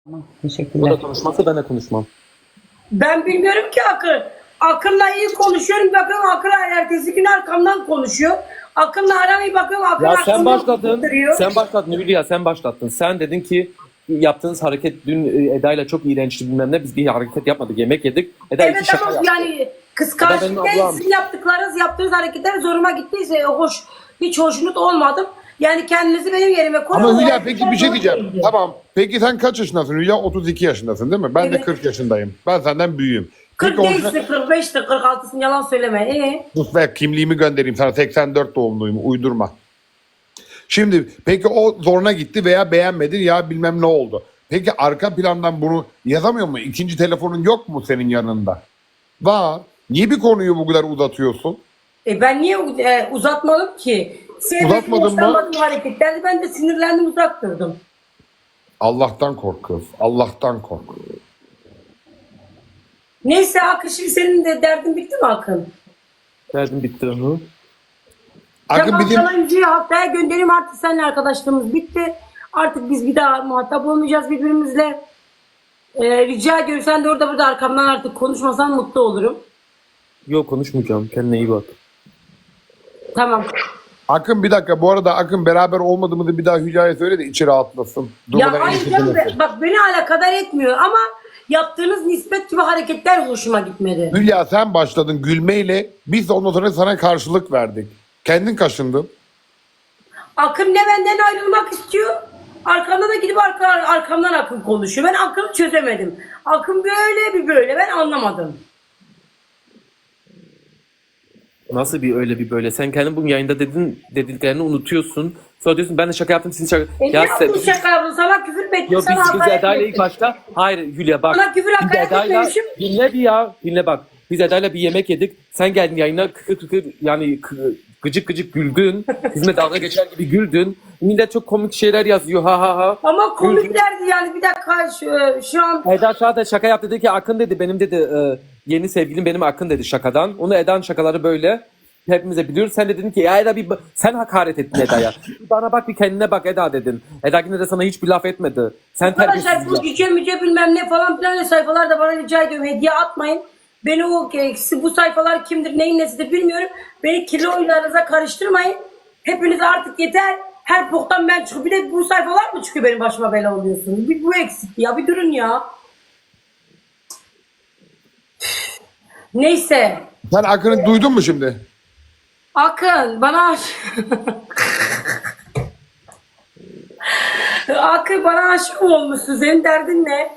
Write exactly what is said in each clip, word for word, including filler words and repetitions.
Tamam, O teşekkürler. da konuşmazsa ben de konuşmam. Ben bilmiyorum ki Akın. Akın'la iyi konuşuyorum. Bakıyorum Akın ertesi gün arkamdan konuşuyor. Akın'la aramayı bakıyorum. Akın Ya sen arkamdan başladın. konuşturuyor. Sen başladın Hülya, sen başlattın. Sen dedin ki yaptığınız hareket dün e, Eda'yla çok iğrençti bilmem ne. Biz bir hareket yapmadık. Yemek yedik. Eda iki Evet şaka ama yaptı. yani Eda kıskançlık benim değil. ablam. Sizin yaptıklarınız, yaptığınız hareketler zoruma gittiyse hoş. Hiç hoşnut olmadım. Yani kendinizi benim yerime koyun. Ama O Hülya hareketler peki bir şey doğru diyeceğim. değildi. Tamam. Peki sen kaç yaşındasın Hülya? otuz iki yaşındasın değil mi? Ben de Evet. kırk yaşındayım. Ben senden büyüğüm. kırk Peki değilsin, orijinal... kırk beştir, kırk altısın, yalan söyleme. Ee? Sus be, kimliğimi göndereyim sana. seksen dört doğumluyum. Uydurma. Şimdi peki o zoruna gitti veya beğenmedi ya bilmem ne oldu. Peki arka plandan bunu yazamıyor mu? İkinci telefonun yok mu senin yanında? Var. Niye bir konuyu bu kadar uzatıyorsun? E ben niye e, uzatmadım ki? Sevmediğim, Uzatmadın mı? hoşlanmadığım hareketlerdi. Ben de sinirlendim, uzak durdum. Allah'tan kork kız. Allah'tan kork. Neyse Akın, şimdi senin de derdin bitti mi Akın? Derdim bitti onu. Akın Tamam, bizim... sana imzayı haftaya göndereyim, artık seninle arkadaşlığımız bitti. Artık biz bir daha muhatap olmayacağız birbirimizle. Ee, rica ediyorum, sen de orada burada arkamdan artık konuşmasan mutlu olurum. Yok, konuşmayacağım. Kendine iyi bak. Tamam. Akın bir dakika, bu arada Akın beraber olmadığımızı bir daha Hülya'ya söyle de içi rahatlasın. Ya Durmadan hayır ilişki canım, sürmesin. bak beni alakadar etmiyor ama yaptığınız nispet gibi hareketler hoşuma gitmedi. Hülya sen başladın gülmeyle, biz de ondan sonra sana karşılık verdik. Kendin kaşındın. Akın ne benden ayrılmak istiyor, arkamda da gidip arka, arkamdan Akın konuşuyor. Ben Akın'ı çözemedim. Akın böyle bir böyle, ben anlamadım. Nasıl bir öyle bir böyle? Sen kendin bugün yayında dedin, dediklerini unutuyorsun. Sonra diyorsun ben de şaka yaptım, sizin şaka... E ne yaptın şaka yaptın? Sana küfür mü ettim? Yok, Sana biz, biz hakaret Eda'yla mi ilk ettim? başta... Hayır Hülya bak. Sana küfür, Biz hakaret Eda'yla... etmemişim. Dinle bir ya. Dinle bak. Biz Eda'yla bir yemek yedik. Sen geldin yayına kıkır kıkır yani kı- gıcık gıcık güldün. Bizimle dalga geçer gibi güldün. Millet çok komik şeyler yazıyor ha ha ha. Ama komiklerdi yani, bir dakika şu, şu an Eda Şah şaka yaptı, dedi ki Akın dedi benim dedi e, yeni sevgilim benim Akın dedi şakadan. Onu Eda'nın şakaları böyle. Hepimize biliyoruz. Sen de dedin ki ya Eda bir ba- sen hakaret ettin Eda'ya. Bir bana bak, bir kendine bak Eda dedin. Eda yine de sana hiçbir laf etmedi. Sen arkadaşlar terbiyesiz bu ya. cüce müce bilmem ne falan filan öyle sayfalarda bana rica ediyorum hediye atmayın. Beni o bu sayfalar kimdir neyin nesidir bilmiyorum. Beni kirli oyunlarınıza karıştırmayın. Hepiniz artık yeter. Her boktan ben çıkıp bir de bu sayfalar mı çıkıyor benim başıma bela oluyorsunuz? Bir bu eksik ya, bir durun ya. Neyse. Sen Akın'ı duydun mu şimdi? Akın bana aş- Akın bana aşık mı olmuşsun? Senin derdin ne?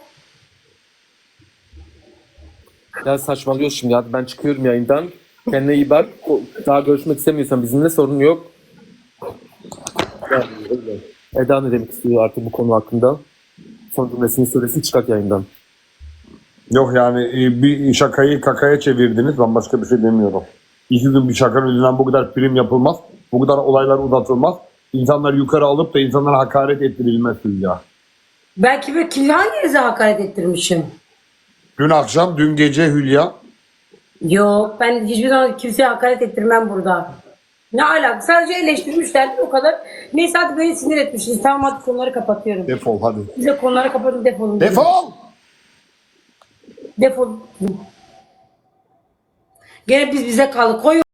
Ya saçmalıyorsun şimdi, hadi ben çıkıyorum yayından. Kendine iyi bak. O- Daha görüşmek istemiyorsan bizimle sorun yok. Yani öyle. Eda ne demek istiyor artık bu konu hakkında? Son cümlesini söylesin, çıkart yayından. Yok yani e, bir şakayı kakaya çevirdiniz. Ben başka bir şey demiyorum. İki gün bir şakanın yüzünden bu kadar prim yapılmaz. Bu kadar olaylar uzatılmaz. İnsanlar yukarı alıp da insanlara hakaret ettirilmez Hülya. Belki bir kimle hanginize hakaret ettirmişim? Dün akşam, dün gece Hülya. Yok, ben hiçbir zaman kimseye hakaret ettirmem burada. Ne alaka? Sadece eleştirmişlerdi, o kadar. Neyse hadi beni sinir etmişsiniz. Tamam hadi konuları kapatıyorum. Defol hadi. Size konuları kapatın, defolun. Defol! Defol. Gene biz bize kaldık. Koy